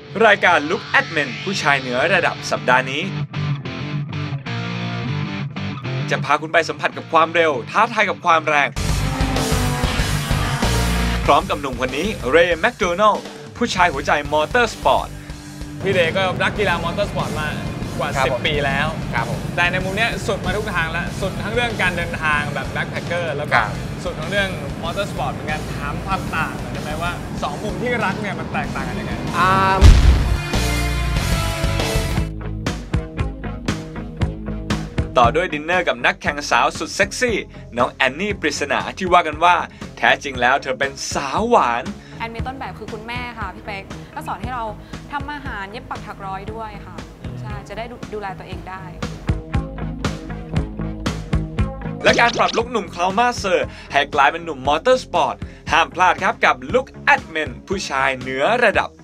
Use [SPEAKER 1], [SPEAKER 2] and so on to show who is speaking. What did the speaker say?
[SPEAKER 1] รายการ Look at Men ผู้ชายเหนือระดับสัปดาห์นี้จะพาคุณไปสัมผัสกับความเร็วท้าทายกับความแรงพร้อมกับหนุ่มคนนี้เรย์แมคโดนัลด์ผู้ชายหัวใจมอเตอร์สปอร์ต
[SPEAKER 2] พี่เรย์ก็รักกีฬามอเตอร์สปอร์ตมากว่า10 ปีแล้วแต่ในมุมนี้สุดมาทุกทางแล้วสุดทั้งเรื่องการเดินทางแบบแบ็คแพคเกอร์แล้วก็สุดทั้งเรื่องมอเตอร์สปอร์ตเหมือนกันถามความต่างใช่ไหมว่า2มุมที่รักเนี่ยมันแตกต่างกันยังไง
[SPEAKER 1] ต่อด้วยดินเนอร์กับนักแข่งสาวสุดเซ็กซี่น้องแอนนี่ปริศนาที่ว่ากันว่าแท้จริงแล้วเธอเป็นสาวหวาน
[SPEAKER 3] แอนมีต้นแบบคือคุณแม่ค่ะพี่เป๊กก็สอนให้เราทำอาหารเย็บปักถักร้อยด้วยค่ะใช่จะได้ดูแลตัวเองได้
[SPEAKER 1] และการปรับลุคหนุ่มคลาวมาเซอร์ให้กลายเป็นหนุ่มมอเตอร์สปอร์ตห้ามพลาดครับกับ Look at Men ผู้ชายเหนือระดับ